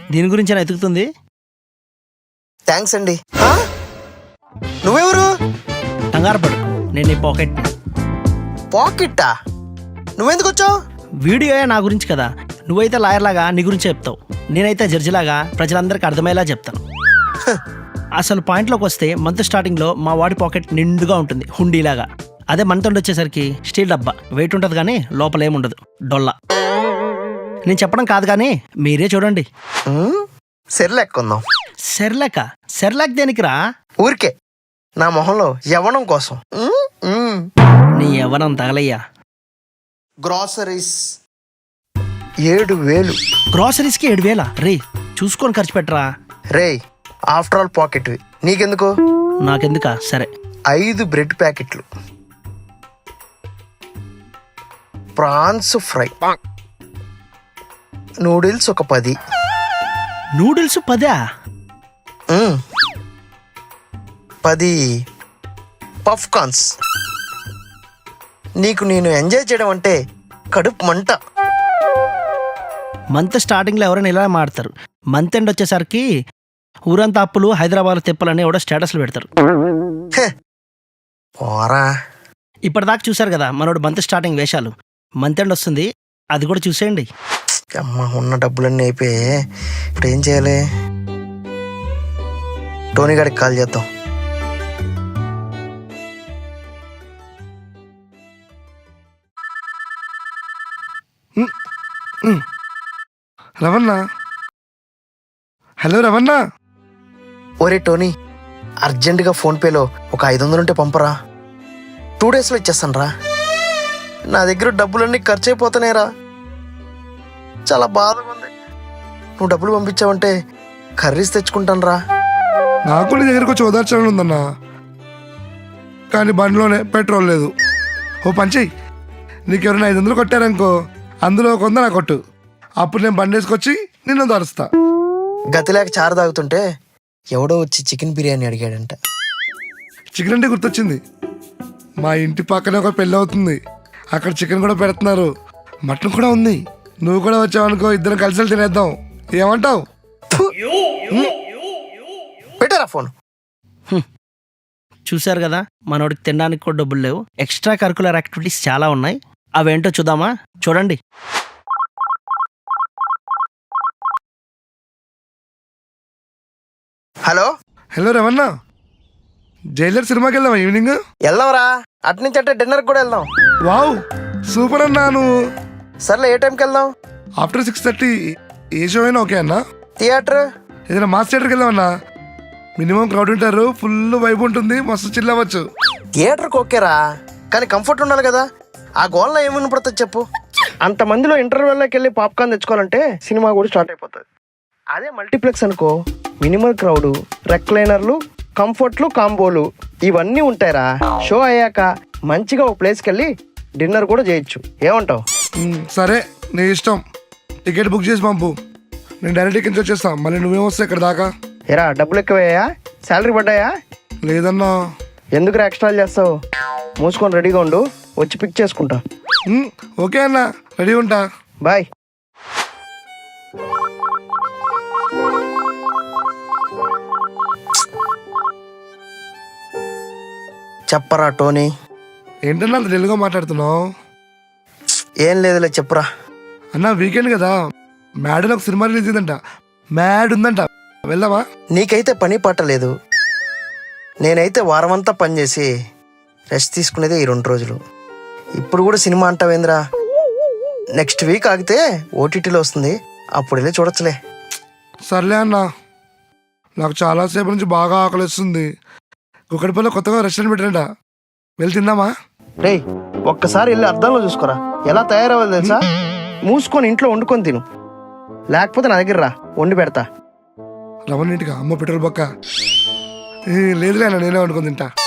దీని గురించి ఎతుకుతుంది. థ్యాంక్స్ అండి. నువ్వెవరు? కంగారు పడు, నేను నీ పాకెట్. పాకెట్టా? నువ్వెందుకు వచ్చావు? వీడియో నా గురించి కదా, నువ్వైతే లాయర్ లాగా నీ గురించి చెప్తావు, నేనైతే జడ్జిలాగా ప్రజలందరికీ అర్థమయ్యేలా చెప్తాను. అసలు పాయింట్లోకి వస్తే మంత్ స్టార్టింగ్లో మా వాడి పాకెట్ నిండుగా ఉంటుంది, హుండీలాగా. అదే మంత్ ఎండ్ వచ్చేసరికి స్టీల్ డబ్బా, వెయిట్ ఉంటుంది కానీ లోపల ఏముండదు, డొల్లా. నేను చెప్పడం కాదు కానీ మీరే చూడండి. సెర్లాక్కుందాం. సెర్లాక్ దేనికిరా? ఊరికే నా మొహంలో యవ్వనం కోసం. నీ యవ్వనం తగలయ్యా. గ్రాసరీస్ 7,000. గ్రాసరీస్కి 7,000 రే, చూసుకొని ఖర్చు పెట్టరా. రే, ఆఫ్టర్ ఆల్ పాకెట్వి, నీకెందుకు? నాకెందుకా? సరే. 5 బ్రెడ్ ప్యాకెట్లు, ప్రాన్స్ ఫ్రై, నూడిల్స్ ఒక 10. నూడిల్స్ 10? 10 puff corns. నీకు నేను ఎంజాయ్ చేయడం అంటే కడుపు మంట. మంత్ స్టార్టింగ్లో ఎవరైనా ఇలా మాడతారు, మంత్ ఎండ్ వచ్చేసరికి ఊరంతా అప్పులు, హైదరాబాద్ తిప్పలని ఎవడో స్టేటస్లు పెడతారు. పోరా. ఇప్పటిదాకా చూశారు కదా మనోడు మంత్ స్టార్టింగ్ వేషాలు. మంత్ ఎండ్ వస్తుంది, అది కూడా చూసేయండి. అమ్మ, ఉన్న డబ్బులన్నీ అయిపోయి ఇప్పుడు ఏం చేయాలి? టోనీ గారికి కాల్ చేద్దాం. రవణ. హలో రవణ. ఒరే టోనీ, అర్జెంటుగా ఫోన్పేలో ఒక 500 ఉంటే పంపరా. 2 డేస్లో ఇచ్చేస్తాను రా. నా దగ్గర డబ్బులన్నీ ఖర్చు అయిపోతున్నాయిరా, చాలా బాధగా ఉంది. నువ్వు డబ్బులు పంపించావంటే కర్రీస్ తెచ్చుకుంటాను రా. నాకు నీ దగ్గరకు వచ్చి ఓదార్చాలని ఉందన్నా, కానీ బండిలోనే పెట్రోల్ లేదు. ఓ పంచేయి, నీకెవరైనా 500 కొట్టారనుకో, అందులో 100 నాకు కొట్టు. అప్పుడు నేను బండి వేసుకొచ్చి నిన్ను దరుస్తా. గతి లేక చారు తాగుతుంటే ఎవడో వచ్చి చికెన్ బిర్యానీ అడిగాడంట. చికెన్ అంటే గుర్తొచ్చింది, మా ఇంటి పక్కనే ఒక పెళ్ళి అవుతుంది, అక్కడ చికెన్ కూడా పెడుతున్నారు, మటన్ కూడా ఉంది. నువ్వు కూడా వచ్చావనుకో, ఇద్దరం కలిసి తినేద్దాం, ఏమంటావు? పెట్టారా ఫోన్? చూశారు కదా మనోడికి తినడానికి కూడా డబ్బులు లేవు. ఎక్స్ట్రా కరికులర్ యాక్టివిటీస్ చాలా ఉన్నాయి, అవేంటో చూద్దామా? చూడండి. హలో. హలో రవణ, జైలర్ సినిమాకి వెళ్దామా ఈవినింగ్? వెళ్దాంరా, అట్నుంచి అంటే డిన్నర్కి కూడా వెళ్దాం. వావ్, సూపర్ అన్నా. నువ్వు సర్లే, ఏ టైంకి వెళ్దాం? ఆఫ్టర్ 6:30 ఏ షో అయినా ఓకే అన్నా. థియేటర్? ఏదైనా మాస్ థియేటర్కి వెళ్దామన్నా, మినిమం క్రౌడ్ ఉంటారు, ఫుల్ వైబ్ ఉంటుంది, మస్తు చిల్ అవ్వచ్చు. థియేటర్కి ఓకేరా, కానీ కంఫర్ట్ ఉండాలి కదా. ఆ గోల్లో ఏమని పడుతుంది చెప్పు? అంతమందిలో ఇంటర్వెల్లోకి వెళ్ళి పాప్కార్న్ తెచ్చుకోవాలంటే సినిమా కూడా స్టార్ట్ అయిపోతుంది. అదే మల్టీప్లెక్స్ అనుకో, మినిమల్ క్రౌడ్, రెక్లైనర్లు, కంఫర్ట్లు, కాంబోలు ఇవన్నీ ఉంటాయిరా. షో అయ్యాక మంచిగా ఓ ప్లేస్కి వెళ్ళి డిన్నర్ కూడా చేయొచ్చు. ఏమంటావు? సరే, నీ ఇష్టం. టికెట్ బుక్ చేసి పంపు, నేను డైరెక్ట్ ఇక్కడి నుంచి వచ్చేస్తాను. మళ్ళీ నువ్వేమొస్తావు ఇక్కడ దాకా? ఎరా, డబ్బులు ఎక్కువయ్యా? శాలరీ పడ్డాయా? లేదన్నా. ఎందుకు ఎక్స్ట్రా చేస్తావు? మూసుకొని రెడీగా ఉండు, వచ్చి పిక్ చేసుకుంటా. ఓకే అన్న, రెడీ ఉంటా. బాయ్. చెప్పరా టోనీ. ఏంటన్నా అంత తెలుగుగా మాట్లాడుతున్నావు? ఏం లేదులే, చెప్పురా. అన్న, వీకెండ్ కదా, మ్యాడ్ అని ఒక సినిమా రిలీజ్ అయిందంట, మ్యాడ్ ఉందంట, వెళ్దామా? నీకైతే పని పట్టలేదు, నేనైతే వారమంతా పనిచేసి రెస్ట్ తీసుకునేదే ఈ 2 రోజులు. ఇప్పుడు కూడా సినిమా అంటావేంద్రా? నెక్స్ట్ వీక్ ఆగితే ఓటీటీలో వస్తుంది, అప్పుడు వెళ్ళి చూడొచ్చులే. సర్లే అన్న, నాకు చాలాసేపు నుంచి బాగా ఆకలిస్తుంది. కుక్కడిపల్లిలో కొత్తగా రెస్టారెంట్ పెట్టారంట, వెళ్ళి తిందామా? రేయ్, ఒక్కసారి వెళ్ళి అద్దంలో చూసుకోరా, ఎలా తయారవ్వాలి తెలుసా? మూసుకొని ఇంట్లో వండుకొని తిను, లేకపోతే నా దగ్గర రా, వండి పెడతా. రవణ ఇంటిగా? అమ్మ పెట్రోల్ బొక్క. లేదులే అన్న, నేనే వండుకొని తింటా.